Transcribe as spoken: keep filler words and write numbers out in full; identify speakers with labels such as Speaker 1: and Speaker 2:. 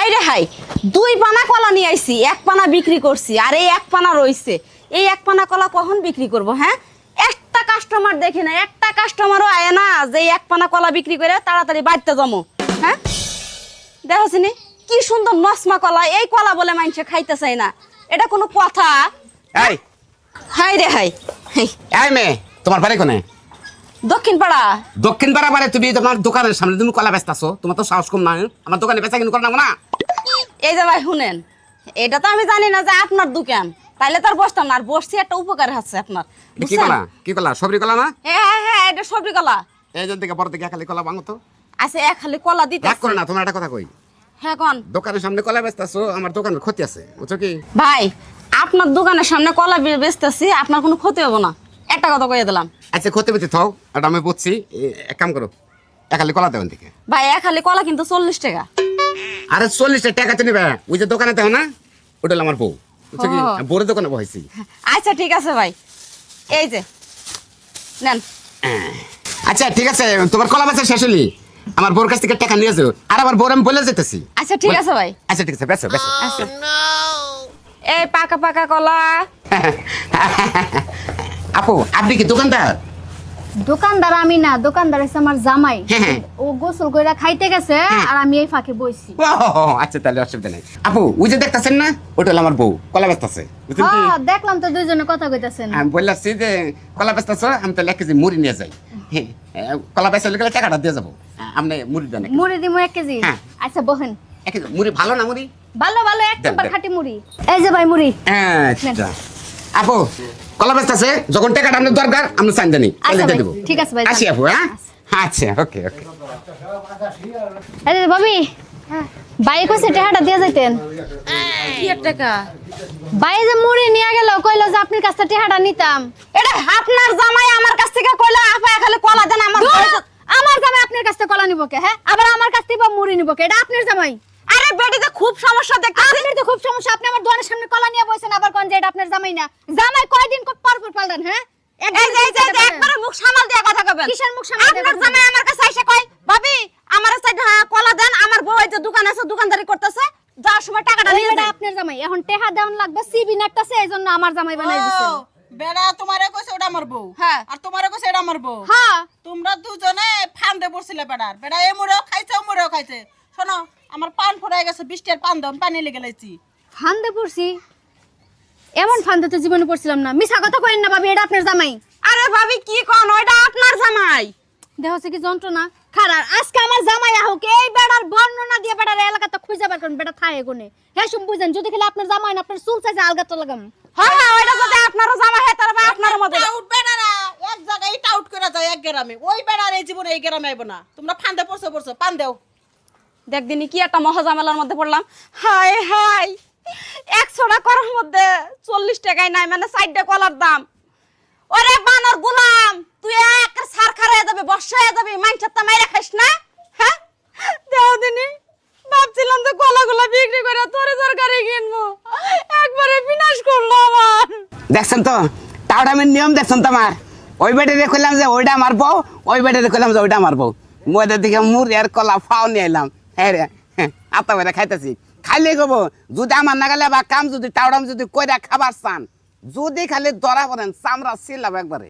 Speaker 1: High রে high, দুই পানা কলা নিয়ে আইছি, এক পানা বিক্রি করছি আর এই এক পানা রইছে। এই এক পানা কলা কখন বিক্রি করব? হ্যাঁ, একটা কাস্টমার দেখি না, একটা কাস্টমারও আয় না যে এই এক পানা কলা বিক্রি করে তাড়াতাড়ি বাড়তে জমো। হ্যাঁ, দেখছিনি কি সুন্দর নসমা কলা, এই কলা বলে মানুষে খাইতে চাই না, এটা কোনো কথা?
Speaker 2: এই
Speaker 1: হাই রে হাই,
Speaker 2: এই মেয়ে, তোমার বাড়ি কোনে?
Speaker 1: দক্ষিণ পাড়া।
Speaker 2: দক্ষিণ পাড়া মানে তুমি তোমার দোকানের সামনে তুমি কলা বেচতাছো, তোমার তো সাহস কম না? আমার দোকানে বেচা কিনে করো না?
Speaker 1: এই যে ভাই শুনেন, এটা তো আমি জানি না যে আপনার দোকান, তাইলে তার বসতাম না। আর বসছি একটা উপকার আছে আপনার।
Speaker 2: কি কলা? কি কলা? সবরি কলা না?
Speaker 1: হ্যাঁ হ্যাঁ হ্যাঁ, এটা সবজি কলা।
Speaker 2: এই জন থেকে বড় থেকে খালি কলা ভাঙো তো।
Speaker 1: আচ্ছা, এক খালি কলা দিতে
Speaker 2: রাগ করে না, তোমার একটা কথা কই।
Speaker 1: হ্যাঁ কোন?
Speaker 2: দোকানের সামনে কলা বেচতাছো, আমার দোকানের ক্ষতি আছে, বুঝছো কি?
Speaker 1: ভাই, আপনার দোকানের সামনে কলা বে- বেচতেছি, আপনার কোনো ক্ষতি হবে না, একটা কথা কইয়া দিলাম।
Speaker 2: আচ্ছা ক্ষতি পেতে থাও, এটা আমি বুঝছি। এ- এক কাম করো, এক খালি কলা দেবেন থেকে।
Speaker 1: ভাই, এক খালি কলা কিন্তু চল্লিশ টাকা।
Speaker 2: আরে চল্লিশটা টাকা তো নিবে, ওই যে দোকানে দেও না, ওটা হলো আমার বউ, বুঝছো কি?
Speaker 1: ও।
Speaker 2: বউরের দোকানে বসেছি।
Speaker 1: আচ্ছা ঠিক আছে ভাই, এই যে নেন।
Speaker 2: আচ্ছা ঠিক আছে, তোমার কলা বেচা শেষ হলি, আমার বউর কাছ থেকে টাকা নিয়ে যাও। আর আমার বউর আমি বলে যেতেছি।
Speaker 1: আচ্ছা ঠিক আছে ভাই।
Speaker 2: আচ্ছা ঠিক আছে, বেচো বেচো।
Speaker 1: আচ্ছা, এই পাকা পাকা কলা।
Speaker 2: আপু, আপনি কি দোকানদার?
Speaker 3: দোকানদার আমি না, দোকানদার হচ্ছে আমার জামাই।
Speaker 2: হ্যাঁ।
Speaker 3: ও গোসল কইরা খাইতে গেছে আর আমি এই ফাঁকে বইছি।
Speaker 2: ও, আচ্ছা তাহলে অসুবিধা নেই। আপু, ওই যে দেখতেছেন না, ওটা হলো আমার বউ, কলা বেচতেছে, বুঝছেন কি?
Speaker 3: হ্যাঁ, দেখলাম তো দুইজনে কথা কইতাছেন।
Speaker 2: আমি বললাম যে কলা বেচতেছ, আমি তাহলে এক কেজি মুড়ি নিয়ে যাই। হ্যাঁ, কলা বেচা গেলে টাকাটা দিয়ে যাবো, আপনি মুড়ি দেন। এক কেজি।
Speaker 3: মুড়ি দিমু এক কেজি।
Speaker 2: হ্যাঁ।
Speaker 3: আচ্ছা বহেন।
Speaker 2: এক কেজি মুড়ি ভালো না মুড়ি?
Speaker 3: ভালো ভালো, এক
Speaker 2: দেন,
Speaker 3: নাম্বার
Speaker 2: দেন।
Speaker 3: খাঁটি মুড়ি। এই যে ভাই মুড়ি।
Speaker 2: আচ্ছা আপু, কলা বেচতেছে, যখন টাকাটা আপনার দরকার আপনি চান জানি
Speaker 3: আচ্ছা
Speaker 2: দিয়ে
Speaker 3: ভাই,
Speaker 2: দেবো।
Speaker 3: ঠিক আছে ভাই,
Speaker 2: আসি
Speaker 3: যান।
Speaker 2: আপু। হ্যাঁ আচ্ছা, ওকে ওকে।
Speaker 3: এই যে ভাবি, ভাই কইছে টাকাটা দিয়ে যাইতেন।
Speaker 1: কি এর টাকা?
Speaker 3: ভাই যে মুড়ি নিয়ে গেল, কইলো যে আপনার কাছে টাকাটা নিতাম।
Speaker 1: এটা আপনার জামাই আমার কাছ থেকে কইলা আপা এক খালি কলা দেন আমার
Speaker 3: ধুর,
Speaker 1: ঘরে-
Speaker 3: আমার জামাই আপনার কাছ থেকে কলা নিব কে? হ্যাঁ, আবার আমার কাছ থেকে মুড়ি নিব কে? এটা আপনার জামাই।
Speaker 1: আরে বেটিতে খুব সমস্যা দেখতেছি।
Speaker 3: আপনার তো খুব সমস্যা, আপনি আমার দোকানের সামনে কলা নিয়ে বসেন, আবার কোন যে এটা আপনার জামাই না। জামাই কয়দিন পর পর পাল্টান? হ্যাঁ,
Speaker 1: এই যে এই যে এই যে একবারে মুখ সামাল দিয়ে কথা কবেন।
Speaker 3: কিসের মুখ সামাল দিয়ে
Speaker 1: আপনার
Speaker 3: কথা
Speaker 1: জামাই আমার কাছে এসে কয়, "ভাবি, আমার সাইড কলা দেন, আমার বউ এই যে দোকান আছে, দোকানদারি করতেছে, যাওয়ার সময় টাকাটা
Speaker 3: ওই
Speaker 1: নিয়ে
Speaker 3: এটা
Speaker 1: যান।"
Speaker 3: আপনার জামাই, এখন টেহা দেওয়ান লাগবে, সিবি নাকটাছে, এইজন্য আমার জামাই বানাই দিছেন।
Speaker 4: ও, বেড়া তোমারে কইছে ওটা আমার বউ,
Speaker 1: হ্যাঁ।
Speaker 4: আর তোমারে কইছে এটা আমার বউ।
Speaker 3: হ্যাঁ,
Speaker 4: তোমরা দুজনে ফান্দে পড়ছিলে বেড়ার, বেড়া এ মুড়েও খাইছে ও মুড়েও খাইছে। শোনো, আমার পান ফুরাই গেছে, বৃষ্টির পান দাও, আমি পানি লেগে লাইছি।
Speaker 3: ফান্দে পড়ছি? এমন ফান্দে তো জীবনে পড়ছিলাম না। মিছা কথা কইেন না ভাবি, এটা আপনার জামাই।
Speaker 1: আরে ভাবি কি কোন, ওইটা আপনার জামাই।
Speaker 3: দেহ হচ্ছে কি যন্ত্রণা খারাপ। আজকে আমার জামাই আহুক, এই বেড়ার বর্ণনা দিয়ে বেড়ার এলাকাতে খুঁজে বের করেন, বেড়া থায় গুনে। হ্যাঁ শুন বুঝেন, যদি খেলে আপনার জামাই না, আপনার চুল চাইছে আলগাতে লাগাম।
Speaker 1: হ্যাঁ হ্যাঁ, ওইটা যদি আপনারও জামাই হয় তাহলে ভাই আপনারও মতো।
Speaker 4: টাউট বেড়ারা এক জায়গায় টাউট করে যায় এক গ্রামে, ওই বেড়ার এই জীবনে এই গ্রামে আইব না। তোমরা ফান্দে পড়ছো পড়ছো, পান দেও।
Speaker 1: দেখ দিনই কি একটা মহাজামেলার মধ্যে পড়লাম। হাই হাই, একশো টাকার মধ্যে চল্লিশ টাকায় নাই, মানে চারটা কলার দাম। ওরে বানর গুলাম, তুই এক সার খারাইয়া যাবে, বর্ষা হয়ে যাবে, মাইনছার তা মাইরা খাইস না। হ্যাঁ, দেও দিনই ভাবছিলাম যে কলাগুলা বিক্রি করে তোরে তরকারি কিনবো, একবারে বিনাশ করলো আমার।
Speaker 2: দেখছেন তো টাউডামের নিয়ম, দেখছেন তো আমার। ওই বেটে দেখলাম যে ওইটা আমার বউ, ওই বেটে দেখলাম যে ওইটা আমার বউ। মধ্যে দিকে মুড়ি আর কলা ফাও নিয়ে এলাম। হ্যাঁ রে, আত্মা বেড়ে খাইতেছি। খাইলে গবো যদি আমার না গেলে বা কাম যদি টাউডাম যদি কইরা খাবার চান, যদি খালি ধরা পড়েন চামড়া ছিলাম একবারে।